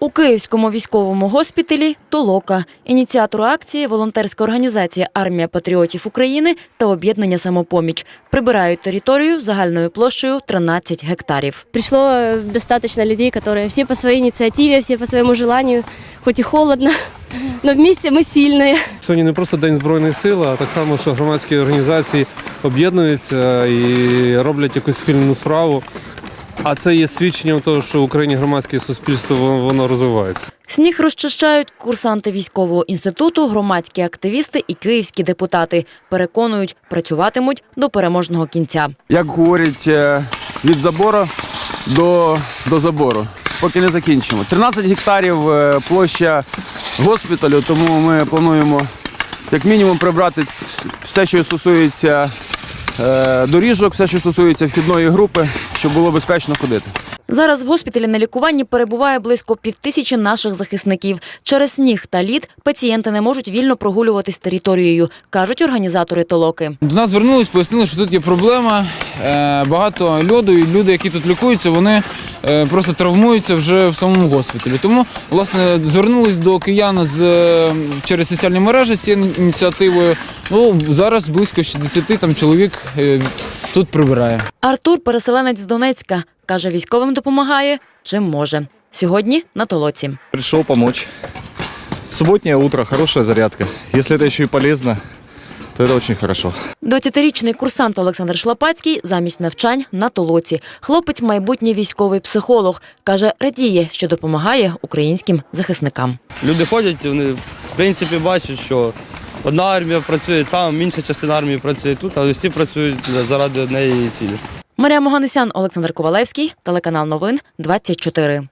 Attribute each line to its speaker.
Speaker 1: У Київському військовому госпіталі «Толока». Ініціатор акції – волонтерська організація «Армія патріотів України» та об'єднання «Самопоміч». Прибирають територію загальною площею 13 гектарів.
Speaker 2: Пришло достаточно людей, которые все по своей инициативе, все по своему желанию, хоть и холодно, но вместе мы сильные.
Speaker 3: Сьогодні не просто День Збройних сил, а так само, що громадські організації об'єднуються і роблять якусь спільну справу. А це є свідченням того, що в Україні громадське суспільство воно розвивається.
Speaker 1: Сніг розчищають курсанти військового інституту, громадські активісти і київські депутати. Переконують, працюватимуть до переможного кінця.
Speaker 4: Як говорять, від забору до забору, поки не закінчимо. 13 гектарів площа госпіталю, тому ми плануємо як мінімум прибрати все, що стосується доріжок, все, що стосується вхідної групи, щоб було безпечно ходити.
Speaker 1: Зараз в госпіталі на лікуванні перебуває близько 5000 наших захисників. Через сніг та лід пацієнти не можуть вільно прогулюватись територією, кажуть організатори «Толоки».
Speaker 5: До нас звернулись, пояснили, що тут є проблема, багато льоду, і люди, які тут лікуються, вони просто травмуються вже в самому госпіталі. Тому, власне, звернулись до киян через соціальні мережі з цією ініціативою. Зараз близько 60 чоловік тут прибирає.
Speaker 1: Артур – переселенець з Донецька. Каже, військовим допомагає, чим може. Сьогодні на «Толоці».
Speaker 6: Пришел помочь. Субботнее утро, хорошая зарядка. Если это еще и полезно, то это очень хорошо.
Speaker 1: 20-річний курсант Олександр Шлапацький замість навчань на «Толоці». Хлопець – майбутній військовий психолог. Каже, радіє, що допомагає українським захисникам.
Speaker 7: Люди ходять, вони в принципі бачать, що одна армія працює там, інша частина армії працює тут, але всі працюють заради однієї цілі.
Speaker 1: Марія Моганесян, Олександр Ковалевський, телеканал Новин 24.